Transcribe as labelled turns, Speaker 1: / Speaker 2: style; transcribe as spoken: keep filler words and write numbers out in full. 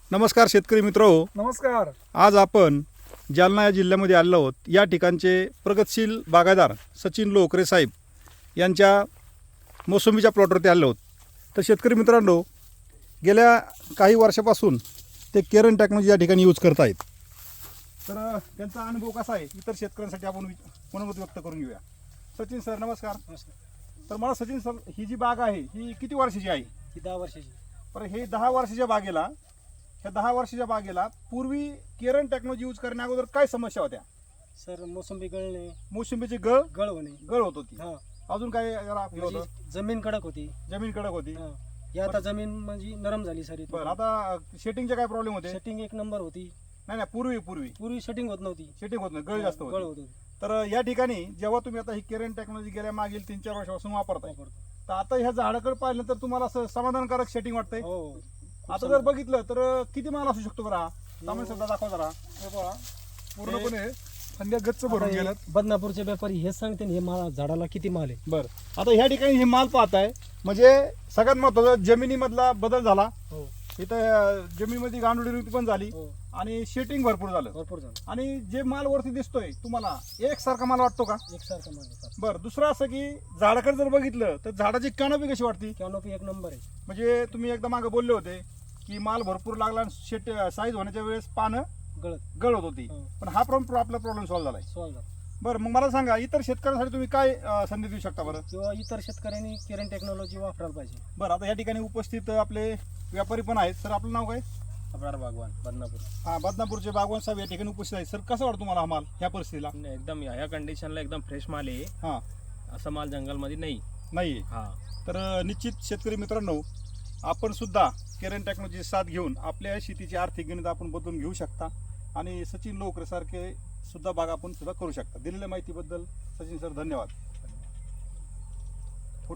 Speaker 1: नमस्कार शेतकरी मित्रहो,
Speaker 2: नमस्कार.
Speaker 1: आज आपण जालना या जिल्ह्यामध्ये आलेलो आहोत. या ठिकाणचे प्रगतशील बागायतदार सचिन लोकरे साहेब यांच्या मोसंबीच्या प्लॉटवरती आलेलो आहोत. तर शेतकरी मित्रांनो, गेल्या काही वर्षापासून ते केरन टेक्नॉलॉजी या ठिकाणी यूज करत आहेत. तर अ, त्यांचा अनुभव कसा आहे इतर शेतकऱ्यांसाठी आपण वि- मनोमत व्यक्त करून घेऊया. सचिन सर नमस्कार. तर मला सचिन सर, ही जी बाग आहे ही किती वर्षाची आहे?
Speaker 2: ही दहा वर्षाची.
Speaker 1: पण हे दहा वर्षाच्या बागेला ह्या दहा वर्षाच्या बागेला पूर्वी केरन टेक्नॉलॉजी यूज करण्या अगोदर काय समस्या होत्या?
Speaker 2: सर मोसंबी गळणे,
Speaker 1: मोसंबीची गळ
Speaker 2: गळ होणे.
Speaker 1: गळ होत होती.
Speaker 2: हा,
Speaker 1: अजून काय जरा हे होतं?
Speaker 2: म्हणजे जमीन कडक होती.
Speaker 1: जमीन कडक होती.
Speaker 2: हा, ही आता जमीन म्हणजे नरम झाली सारी.
Speaker 1: बरं, आता शेटिंगचे काय प्रॉब्लेम होते?
Speaker 2: सेटिंग एक नंबर होती.
Speaker 1: नाही नाही, पूर्वी पूर्वी
Speaker 2: पूर्वी सेटिंग होत नव्हती.
Speaker 1: शेटिंग होत नाही, गळ जास्त
Speaker 2: गळ
Speaker 1: होती.
Speaker 2: होत होती.
Speaker 1: तर या ठिकाणी जेव्हा तुम्ही आता ही केरन टेक्नॉलॉजी गेल्या मागील तीन चार वर्षापासून वापरताय,
Speaker 2: वापरतो.
Speaker 1: तर आता ह्या झाडाकडे पाहिलं तर तुम्हाला असं समाधानकारक शेटिंग वाटतंय?
Speaker 2: हो.
Speaker 1: आता जर बघितलं तर किती माल असू शकतो बरं? हा सामान्य सुद्धा दाखवा जरा. हे पहा, पूर्णपणे फांद्या गच्च भरून
Speaker 2: आता हे
Speaker 1: गेल्यात.
Speaker 2: बदनापूरचे व्यापारी हेच सांगते ना, हे मा- झाडाला किती माल आहे.
Speaker 1: बरं, आता ह्या ठिकाणी हे माल पाहताय म्हणजे सगळ्यात महत्वाचं जमिनीमधला बदल झाला.
Speaker 2: हो
Speaker 1: इथं अं, जमिनीमध्ये गांडुळी पण झाली
Speaker 2: हो,
Speaker 1: आणि शेटिंग भरपूर झालं.
Speaker 2: भरपूर झालं.
Speaker 1: आणि जे माल वरती दिसतोय तुम्हाला एकसारखा माल वाटतो का?
Speaker 2: एकसारखं माल आहे सर.
Speaker 1: बरं, दुसरं असं की झाडाकडे जर बघितलं तर झाडाची कॅनोपी कशी वाटती?
Speaker 2: कॅनोपी एक नंबर आहे.
Speaker 1: म्हणजे तुम्ही एकदा मागे बोलले होते की माल भरपूर लागला आणि शेट साईज होण्याच्या वेळेस पानं
Speaker 2: गळत
Speaker 1: गळत होती.
Speaker 2: हो.
Speaker 1: पण हा प्रॉब्लेम आपला प्रॉब्लेम सॉल्व्ह झालाय.
Speaker 2: सॉल्व झाला.
Speaker 1: बरं, मग मला सांगा इतर शेतकऱ्यांसाठी तुम्ही काय अं, संधी देऊ शकता बरं?
Speaker 2: किंवा इतर शेतकऱ्यांनी केरन टेक्नॉलॉजी वापरायला पाहिजे.
Speaker 1: बरं, आता या ठिकाणी उपस्थित आपले व्यापारी पण आहेत. सर, आपलं नाव काय?
Speaker 3: अब्रार बागवान बदनापूर.
Speaker 1: हा, बदनापूरचे बागवान साहेब या ठिकाणी उपस्थित आहेत. सर, कसं वाटतं तुम्हाला हा माल ह्या परिस्थितीला?
Speaker 3: नाही, एकदम ह्या कंडिशनला एकदम फ्रेश माल आहे.
Speaker 1: हा,
Speaker 3: असा माल जंगलमध्ये नाही.
Speaker 1: नाही.
Speaker 3: हा,
Speaker 1: तर अं, निश्चित शेतकरी मित्रांनो, आपण सुद्धा केरन टेक्नॉलॉजी साथ घेऊन आपल्या शेतीची आर्थिक गणित आपण बदलून घेऊ शकता आणि सचिन लोकरे सारखे सुद्धा बाग आपण सुद्धा करू शकता. दिलेल्या माहितीबद्दल सचिन सर धन्यवाद.